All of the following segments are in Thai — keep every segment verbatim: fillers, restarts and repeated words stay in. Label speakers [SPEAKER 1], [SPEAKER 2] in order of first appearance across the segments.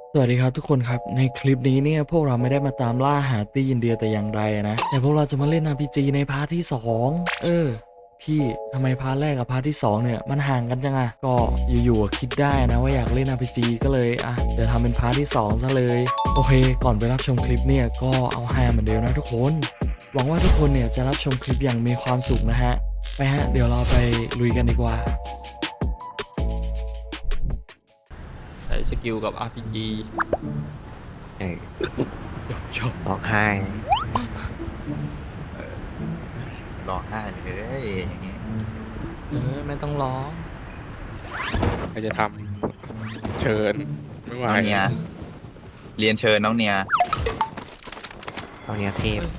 [SPEAKER 1] สวัสดีครับทุกคนครับในคลิปนี้เนี่ยพวกเราไม่ได้มาตามล่าหาตีอินเดียแต่อย่างใดนะแต่พวกเราจะมาเล่น อาร์ พี จี ในพาร์ทที่สองเออพี่ทำไมพาร์ทแรกกับพาร์ทที่สองเนี่ยมันห่างกันจังอะก็อยู่ๆอะคิดได้นะว่าอยากเล่น อาร์ พี จี ก็เลยอ่ะเดี๋ยวทำเป็นพาร์ทที่สองซะเลยโอเคก่อนไปรับชมคลิปเนี่ยก็เอาฮาเหมือนเดิมนะทุกคนหวังว่าทุกคนเนี่ยจะรับชมคลิปอย่างมีความสุขนะฮะไปฮะเดี๋ยวเราไปลุยกันดีกว่าใช้สกิลกับ อาร์ พี จี
[SPEAKER 2] เออ
[SPEAKER 1] จบ
[SPEAKER 2] ร้องไห้
[SPEAKER 3] ร้องไห้เลยอย่างเงี้ย
[SPEAKER 1] เออไม่ต้องร้อง
[SPEAKER 4] ใครจะทำเชิญไม่ไหว
[SPEAKER 3] น้องเนียเรียนเชิญน้องเนีย
[SPEAKER 2] เอาเนี้ยเทพ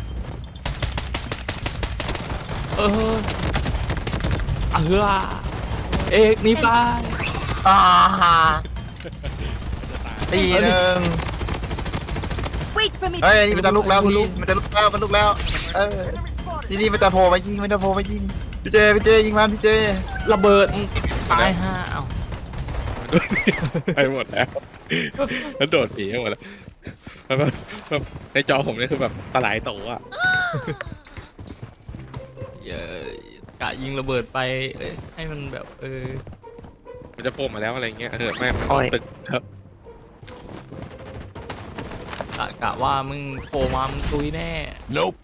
[SPEAKER 1] เออเออเอกนี่ไป
[SPEAKER 3] อ่าตีหนึ่ง
[SPEAKER 5] Wait for me.
[SPEAKER 3] เฮ้ยนี่มันจะลุกแล้วพี่มันจะลุกแล้วมันลุกแล้วเออนี่นี่มันจะโผล่มายิงมันจะโผล่มายิงพี่เจพี่เจยิงมันพี่เจ
[SPEAKER 1] ระเบิดตายห้าเอา
[SPEAKER 4] ไปหมดแล้วแล้วโดดหนีหมดแล้วแล้วแบบแบบในจอผมนี่คือแบบตะไหลโตอ่ะ
[SPEAKER 1] เย้กะยิงระเบิดไปเอ้ยให้มันแบบเออ
[SPEAKER 4] มันจะโผล่มาแล้วอะไรเงี้ยเออไม่มันตึกเถอะ
[SPEAKER 1] กะกะว่ามึงโผล่มามึงตุยแน่
[SPEAKER 3] Nope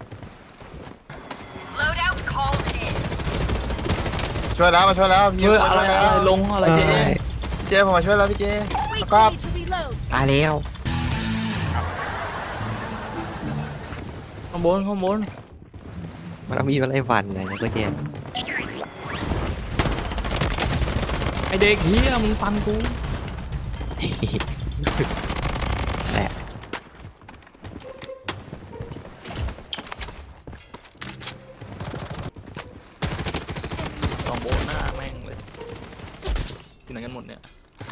[SPEAKER 5] Loadout called in.
[SPEAKER 3] ช่วยแล้วมาช่วยแล้วพี่
[SPEAKER 1] เฮ้ย
[SPEAKER 3] มา
[SPEAKER 1] อะไร
[SPEAKER 3] ช่วย
[SPEAKER 1] อะ
[SPEAKER 3] แล้
[SPEAKER 1] ไร
[SPEAKER 3] ว
[SPEAKER 1] ลงอะไร
[SPEAKER 3] พี่เจ
[SPEAKER 1] เนี่ย
[SPEAKER 3] พี่เจผมมาช่วยแล้วพี่เจ
[SPEAKER 5] Wait
[SPEAKER 3] ก็
[SPEAKER 5] for me to reload.
[SPEAKER 2] ตายแล้ว
[SPEAKER 1] ข้างบนข้างบน
[SPEAKER 2] มันเอามีอะไรหวันอะไรนะก็เจน
[SPEAKER 1] ไอเด็กเฮียมึงฟันกู
[SPEAKER 2] แหละ
[SPEAKER 1] สองโบนหน้าแม่งเลยที่ไหนกันหมดเนี่ย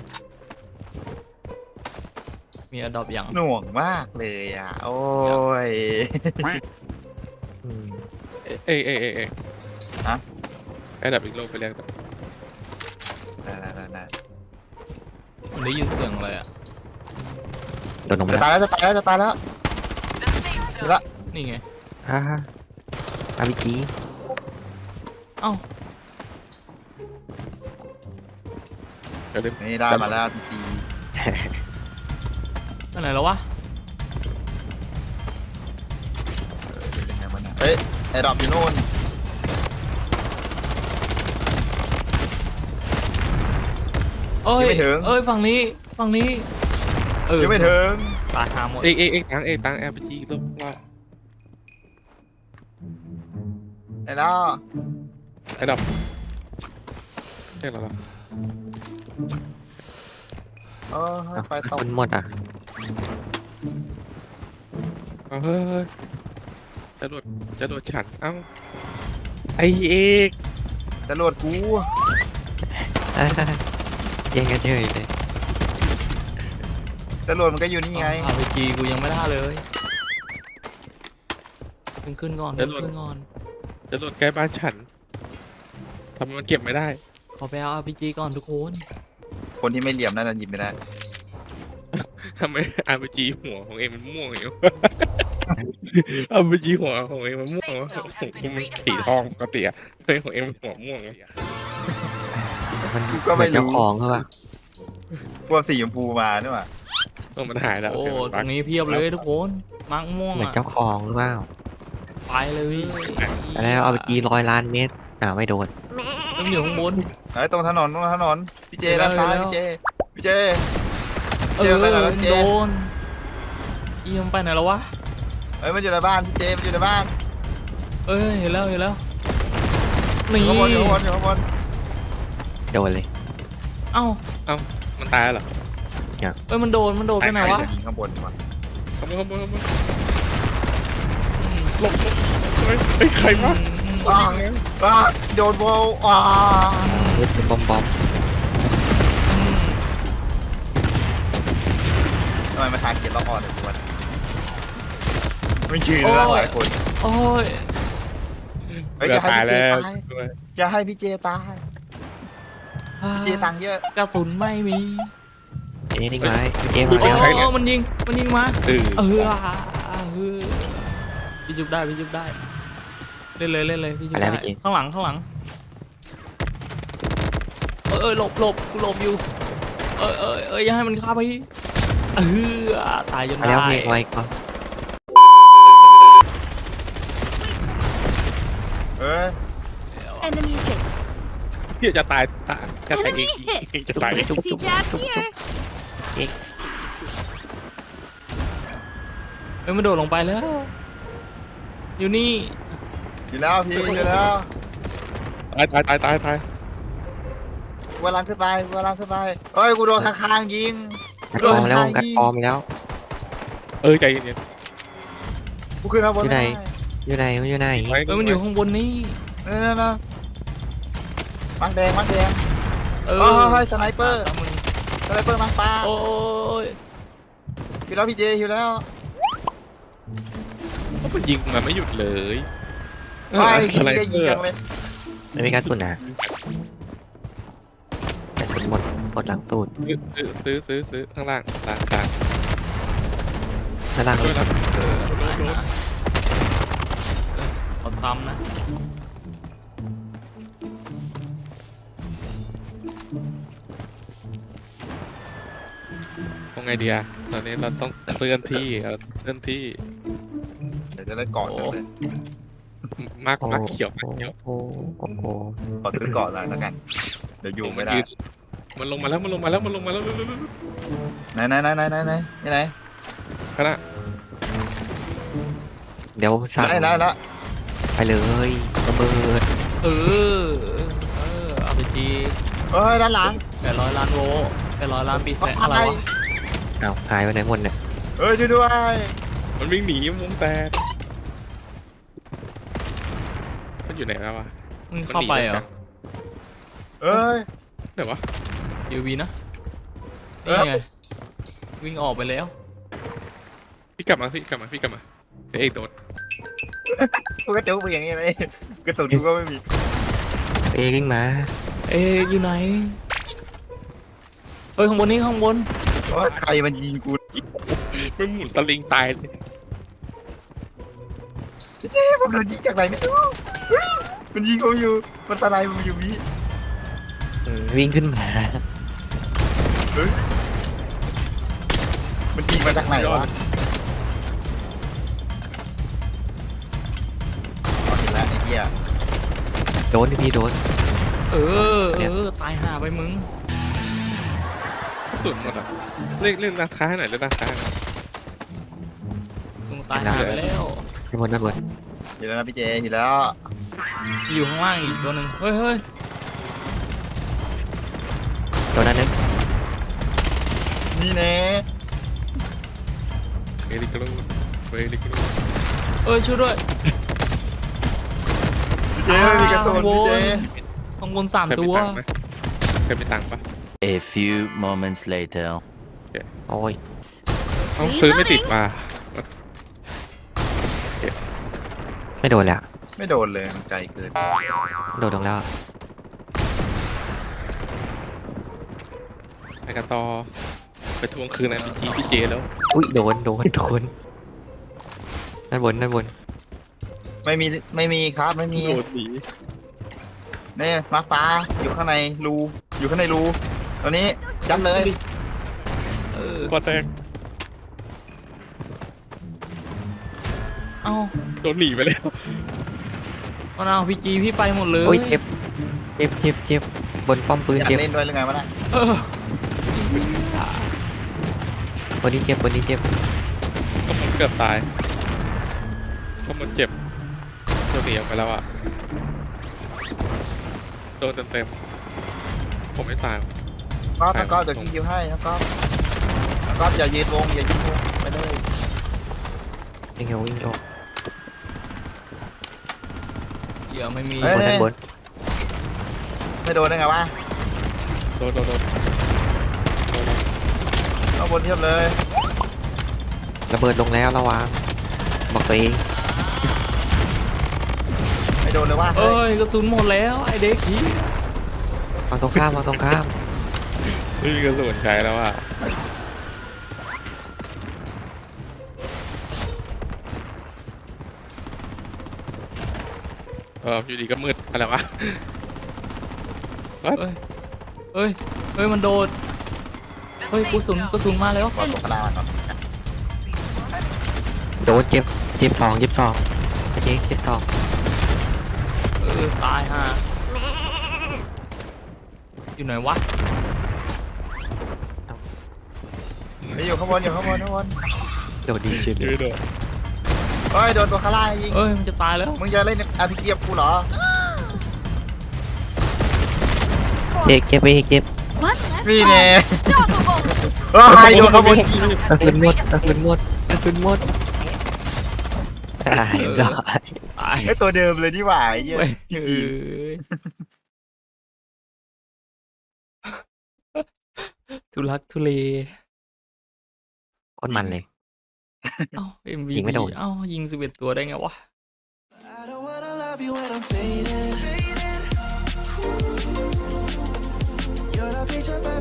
[SPEAKER 1] มีอดอบอย่าง
[SPEAKER 3] หน่วงมากเลยอ่ะโอ้ย
[SPEAKER 2] อืม
[SPEAKER 4] เอ้ยเอ้ยเอ้ยเอ้ย
[SPEAKER 3] ฮะ
[SPEAKER 4] ไอ้ดับอีกโลกไปแล้ว
[SPEAKER 3] ได้ได้ได้ได้
[SPEAKER 1] มันได้ยินเสียงอะไรอ่ะ
[SPEAKER 2] โดนลงไป
[SPEAKER 3] จะ
[SPEAKER 2] แล้ว
[SPEAKER 3] ตายแล้วจะตายแล้วจะตายแล้วนี่ละ
[SPEAKER 1] นี่ไง
[SPEAKER 2] ฮ่าฮ่าอาวิจี
[SPEAKER 1] เอ้า
[SPEAKER 4] เดี๋ยวลืม
[SPEAKER 3] นี่ได้มาแล้วพี่จี
[SPEAKER 1] อันไหนแล้ววะ
[SPEAKER 3] เป็นไงบ้างเนี่ยเฮ้ยไอ้ดอกอยู่นู่น
[SPEAKER 1] เอ้ย
[SPEAKER 3] ยังไม่ถึง
[SPEAKER 1] เอ้ยฝั่งนี้ฝั่งนี้เออ
[SPEAKER 3] ยังไม่ถึง
[SPEAKER 1] ตายหาหมด
[SPEAKER 4] เอ้ยเอ้ยเอ้ยตังเอ้ยตังแอร์พีจีโลกว่า
[SPEAKER 3] ไอ้น้า
[SPEAKER 4] ไอ้ดับเรียกอะไร
[SPEAKER 3] เออ
[SPEAKER 2] เอ้า
[SPEAKER 3] ไฟตก
[SPEAKER 2] คนหมดอ่ะ
[SPEAKER 4] เฮ้ยจะโดดจะโดดฉันเอ้าไอเอก
[SPEAKER 3] จะโหลดกู
[SPEAKER 2] อ่าแย่งกันเฉยเลย
[SPEAKER 3] จะโหลดมันก็อยู่นี่ไง
[SPEAKER 1] อาร์พีจีกูยังไม่ได้เลยขึ้นขึ้นก่อนขึ้นขึ้นก่อน
[SPEAKER 4] จะโดดใกล้บ้านฉันทำไมมันเก็บไม่ได้
[SPEAKER 1] ขอไปเอา อาร์ พี จี ก่อนทุกคน
[SPEAKER 3] คนที่ไม่เหลี่ยมน่าจะหยิบไม่ได้
[SPEAKER 4] ทำไมอาร์พีจีหัวของเองมันม่วงอยู่ อาร์พีจีหัวของเองมันม่วงวะของกูมันสีทองปกติอะเฮ้ยของเองมันหัวม่วงวะ
[SPEAKER 2] มัน
[SPEAKER 3] ก็ไม่รู้
[SPEAKER 2] เหอนเจ้าของเขาอะ
[SPEAKER 3] กลัวสีชมพูมาด้วยว่ะ
[SPEAKER 4] เออมันหายแล้ว
[SPEAKER 1] โอ้
[SPEAKER 4] เดี๋ยวมัน
[SPEAKER 1] ตร
[SPEAKER 4] บั๊ก
[SPEAKER 1] งนี้เพียบเลยทุกคนมังม่วง
[SPEAKER 2] เหมือน
[SPEAKER 1] อ่ะ
[SPEAKER 2] เจ้าของหรือเปล่า
[SPEAKER 1] ไปเลย
[SPEAKER 2] แล้วเอาไปจีร้อยล้านเมตรอ่าไม่โดน
[SPEAKER 1] ต้องอยู่ข้างบน
[SPEAKER 3] เอ้ยตรงถนนตรงถนนพี่เจ
[SPEAKER 1] เห็นแล้ว
[SPEAKER 3] ด้านซ้าย
[SPEAKER 1] เห็นแล้ว
[SPEAKER 3] พี่เจพี่เจ
[SPEAKER 1] เออ
[SPEAKER 3] เดี๋ยวไปก่อนนะเจ๊
[SPEAKER 1] โดนเอียมไปไหนแล้ววะ
[SPEAKER 3] เอ้ยมันอยู่ในบ้านพี่เจมันอยู่ในบ้าน
[SPEAKER 1] เอ้ยเห็นแล้วเห็นแล้ว
[SPEAKER 3] อ
[SPEAKER 1] นี่
[SPEAKER 3] ยู่ข้างบนอยู่ข้างบนอยู่ข้างบน
[SPEAKER 2] โดนเลย
[SPEAKER 1] เอ้า
[SPEAKER 4] มันตายแล้วเหรอ
[SPEAKER 1] เอ้ยมันโดนมันโดนไปไหนวะ
[SPEAKER 3] ยิงข้างบนว่ะ
[SPEAKER 4] ขโมยขโมยขโมยหลบหลบเฮ้ยเฮ้ยใครวะ
[SPEAKER 3] อ้าวอ้าวโดนโบว์อ้าว
[SPEAKER 2] เฮ้ยเป็นบอมบอม
[SPEAKER 3] ทำไมมาทางเกียร์ล็อกออนเลยทุกวันไม่ชื่อเรื่องหลายคน
[SPEAKER 1] โอ้ย
[SPEAKER 3] เฮ้ยอย่าให้
[SPEAKER 4] ตาย
[SPEAKER 3] พี่เจ
[SPEAKER 4] แล้ว
[SPEAKER 3] ตายอย่าให้พี่เจตายพี่เจตังค์เยอะ
[SPEAKER 1] กระสุนไม่มี
[SPEAKER 2] เอนี่นิ่งไว้พี่เจ
[SPEAKER 1] โอ้
[SPEAKER 2] มาแล้ว
[SPEAKER 1] โอ้มันยิงมันยิงมา
[SPEAKER 4] เออ
[SPEAKER 1] เออเออพี่จุบได้พี่จุบได้เล่นเลยเล่นเลยพี่จุบได้ข้างหลังข้างหลังเออเออหลบหลบกูหลบอยู่เออเออเอออย่าให้มันฆ่าพี่เออตายจน
[SPEAKER 2] มา
[SPEAKER 1] ได้
[SPEAKER 2] แล้วพี่ไว้ก่อน
[SPEAKER 3] เออ
[SPEAKER 5] Enemy hit.
[SPEAKER 4] พี่จะตายตายจะตายเอง
[SPEAKER 5] Enemy hit.
[SPEAKER 4] เองจะตายเอง
[SPEAKER 5] See jab here.
[SPEAKER 1] เอ้ยมันโดดลงไปแล้ว อยู่นี่
[SPEAKER 3] อยู่แล้วพี่อยู่แล้ว
[SPEAKER 4] ตายตายตายตายตาย
[SPEAKER 3] กูกำลังขึ้นไปกูกำลังขึ้นไปเฮ้ยกูโดนข้างๆยิง
[SPEAKER 2] กัดปอมแล้วกัดปอมแล้ว
[SPEAKER 4] เออใจเย็น
[SPEAKER 3] กูขึ้นมาบน
[SPEAKER 2] อยู่ไหน
[SPEAKER 3] ด้
[SPEAKER 2] อยู่ไหนมันอยู่ไหน
[SPEAKER 4] ๆไว้
[SPEAKER 1] เอ้ยมันอยู่ข้างบนนี่
[SPEAKER 3] นั่นนั่นนั่นมังแดงมังแดง
[SPEAKER 1] เออ
[SPEAKER 3] เฮ้ยเฮ้ยสไนเปอร์
[SPEAKER 1] ตามมึง
[SPEAKER 3] สไนเปอร์มังปลา
[SPEAKER 1] โอ้ย
[SPEAKER 3] อยู่แล้วพี่เจอยู่แล้ว
[SPEAKER 4] เพราะมันยิงมันไม่หยุดเลย
[SPEAKER 3] ไม่
[SPEAKER 4] อะ
[SPEAKER 3] พี่
[SPEAKER 4] ไร
[SPEAKER 3] จะยิงจังเลย
[SPEAKER 2] ไม่มีการตุนนะแต่ตุนหมดหมดหลังตูด
[SPEAKER 4] ซื้อซื้อซื้อซื้อข้างล่างล่างล่าง
[SPEAKER 2] ด้านล่าง
[SPEAKER 4] เอ
[SPEAKER 2] เล
[SPEAKER 4] อย นะเออโดนโดน
[SPEAKER 1] เขาทำนะ
[SPEAKER 4] ทำไงดีอะตอนนี้เราต้องเคลื่อนที่เราเคลื่อนที่
[SPEAKER 3] เดี๋ยวจะได้เกาะจังเลย
[SPEAKER 4] มาก
[SPEAKER 2] โอ้
[SPEAKER 4] มากเขียวมาก
[SPEAKER 2] โห
[SPEAKER 4] เขียว
[SPEAKER 2] โอ้โห
[SPEAKER 3] ขอซื้อเกาะหน่อยแล้วกัน เดี๋ยวอยู่ไม่ได้
[SPEAKER 4] นมันลงมาแล้วมันลงมาแล้วมันลงมาแล้ว
[SPEAKER 3] ไหนไหนไหนไหนไหนไหนนี่ไหน
[SPEAKER 4] ขณะ
[SPEAKER 2] เดี๋ยวสั่ง
[SPEAKER 3] ไหนไหนละ
[SPEAKER 2] ไปเลยระเบิด
[SPEAKER 1] เออเออเอาไปจี
[SPEAKER 3] เฮ้ยด้านหลัง
[SPEAKER 1] แปดร้อยล้านโวลต์แปดร้อยล้านปีแสอะไรวะ
[SPEAKER 2] อ้าวหายไปไหนหมดเนี่ย
[SPEAKER 3] เฮ้ยช่วยด้วย
[SPEAKER 4] มันวิ่งหนีวงแตกมันอยู่ไหนแล้ววะ
[SPEAKER 1] มึงเข้าไปเหรอ
[SPEAKER 3] เอ้ย
[SPEAKER 4] ไหนวะ
[SPEAKER 1] ยูวีนะ
[SPEAKER 3] เอ้ย
[SPEAKER 1] นี่ไงวิ่งออกไปแล้ว
[SPEAKER 4] พี่กลับมาพี่กลับมาพี่กลับมาเดี๋ยวเอกโดน
[SPEAKER 3] กูก็จุกไปอย่างนี้เลยกระสุนกูก็ไม่มี
[SPEAKER 2] เอวิ่งมา
[SPEAKER 1] เอ๊ะอยู่ไหนเฮ้ยข้างบนนี้ข้างบน
[SPEAKER 3] ว่าใครมันยิงกู
[SPEAKER 4] มันหมุนตะลิงตายเลย
[SPEAKER 3] เจ๊ผมโดนยิงจากไหนไม่รู้เฮ้ยมันยิงผมอยู่มันสไลด์ผมอยู่พี่
[SPEAKER 2] อืมวิ่งขึ้นมา
[SPEAKER 3] มันยิงมาจากไหนวะเอาเห็นแล้วไอ้เหี้ย
[SPEAKER 2] โดนพี่โดน
[SPEAKER 1] เออเออตายห่าไปมึง
[SPEAKER 4] สุดหมดอ่ะเล่นเล่นราคาให้หน่อยเล่นราคาให้หน่อย
[SPEAKER 1] มึงตายห่าไปแล้ว
[SPEAKER 2] ระเบิดระเบิด
[SPEAKER 3] เห็นแล้วนะพี่เจเห็นแล้ว
[SPEAKER 1] มีอยู่ข้างล่างอีกตัวหนึ่งเฮ้ยเฮ้ย
[SPEAKER 2] โดนนั้นนึง
[SPEAKER 3] นี่แน่
[SPEAKER 4] เอลิกลูเอลิกลู
[SPEAKER 1] เอ้ยช่วยด้วย
[SPEAKER 3] พี่เจไม่มีกระสุนพี่เจ
[SPEAKER 1] ข้างบนสาม
[SPEAKER 4] เคย
[SPEAKER 1] ตั
[SPEAKER 4] มี
[SPEAKER 1] ว
[SPEAKER 4] ตังค์ไหมเคยมีตังค์ปะ
[SPEAKER 6] A few moments later.
[SPEAKER 2] โอ้ย
[SPEAKER 4] ต้องซื้อไม่ติดมา
[SPEAKER 2] ไม่โดนเลยอะ
[SPEAKER 3] ไม่โดนเลยมันไกลเกิน
[SPEAKER 2] โดนลงแล้ว
[SPEAKER 4] ไปกันต่อไปทวงคืนไอพีจีพี่เจแล้ว
[SPEAKER 2] อุ้ยโดนโดนโดนด้านบนด้านบน
[SPEAKER 3] ไม่มีไม่มีครับไม่มี
[SPEAKER 4] โดนหนี
[SPEAKER 3] นี่มาฟ้าอยู่ข้างในรูอยู่ข้างในรูตอนนี้จับเลย
[SPEAKER 1] เออ
[SPEAKER 4] ก็แตก
[SPEAKER 1] เอ้า
[SPEAKER 4] โดนหนีไปแล้ว
[SPEAKER 1] เอาเอาพีจีพี่ไปหมดเลย
[SPEAKER 2] โอ้ยเจ็บเจ็บเจ็บเจ็บบนป้อมปืน
[SPEAKER 3] อยาก
[SPEAKER 2] เจ็บ
[SPEAKER 3] เล่นด้วยหรือไงวะน่ะ
[SPEAKER 1] เออบ
[SPEAKER 2] นนี้เจ็บบนนี้เจ็บ
[SPEAKER 4] ก็มันเกือบตายก็มันเจ็บโดนหนีออกไปแล้วอะโดนเต็มๆผมไม่ตาย
[SPEAKER 3] ก็ต้องก็เดี๋ยวกินคิวให้แล้วก็แล้วก็อย่ายืนวงอย่ายืนวงไปเลย
[SPEAKER 2] ยังไงวิ่งออก
[SPEAKER 1] เดี๋ยวไม่มี
[SPEAKER 2] บนด้านบน
[SPEAKER 3] ไม่โดนได้ไงวะ
[SPEAKER 4] โดนโดนโดน
[SPEAKER 3] ข้างบนเทียบเลย
[SPEAKER 2] ระเบิดลงแล้วระวังบอกตัวเอง
[SPEAKER 3] ไม่โดนเลยว่า
[SPEAKER 1] เอ้ยกระสุนหมดแล้วไอเด็กที่
[SPEAKER 2] วางตรงข้ามวางตรงข้าม
[SPEAKER 4] ไม่มีกระสุนใช้แล้วอะเอออยู่ดีก็มืดอะไรวะ
[SPEAKER 1] เอ้ยเอ้ยเอ้ยมันโดดเฮ้ยกระสุนกระสุนมาแล้ว
[SPEAKER 3] บอลตกกระดานครับ
[SPEAKER 2] โดนเจ็บเจ็บสองเจ็บสองเจ๊เจ็บสอง
[SPEAKER 1] เออตายฮะอยู่ไหนวะ
[SPEAKER 3] ไปอยู่ข้างบนอยู่ข้างบนข้างบน
[SPEAKER 2] โดนดีเฉย
[SPEAKER 4] อยู่
[SPEAKER 2] เลย
[SPEAKER 4] โดด
[SPEAKER 3] เฮ้ยโดนตัวข้างล่างยิง
[SPEAKER 1] เอ้ยมันจะตายแล้ว
[SPEAKER 3] มึงจะเล่นอาร์พีจีกับกูเหรอ
[SPEAKER 2] เจ็บเจ็บไปอีกเจ็บ
[SPEAKER 5] What?
[SPEAKER 3] มีแน่
[SPEAKER 5] Double.
[SPEAKER 3] เฮ้ยโดนข้างบนยิง
[SPEAKER 2] กระสุนหมดกระสุนหมดกระสุนหมดตายได้
[SPEAKER 1] ตาย
[SPEAKER 3] ไอ้ตัวเดิมเลยนี่หว่าไอ้เหี้ย
[SPEAKER 1] เว้ย
[SPEAKER 3] จ
[SPEAKER 1] เอ
[SPEAKER 3] ริง
[SPEAKER 1] อทุลักทุเล
[SPEAKER 2] โคนมันเลย
[SPEAKER 1] เอ้า เอ็ม วี
[SPEAKER 2] ยิงไม่โดน
[SPEAKER 1] เอ้ายิงสิบเอ็ดตัวได้ไงวะ
[SPEAKER 7] I don't wanna love you when I'm fading. You're the picture.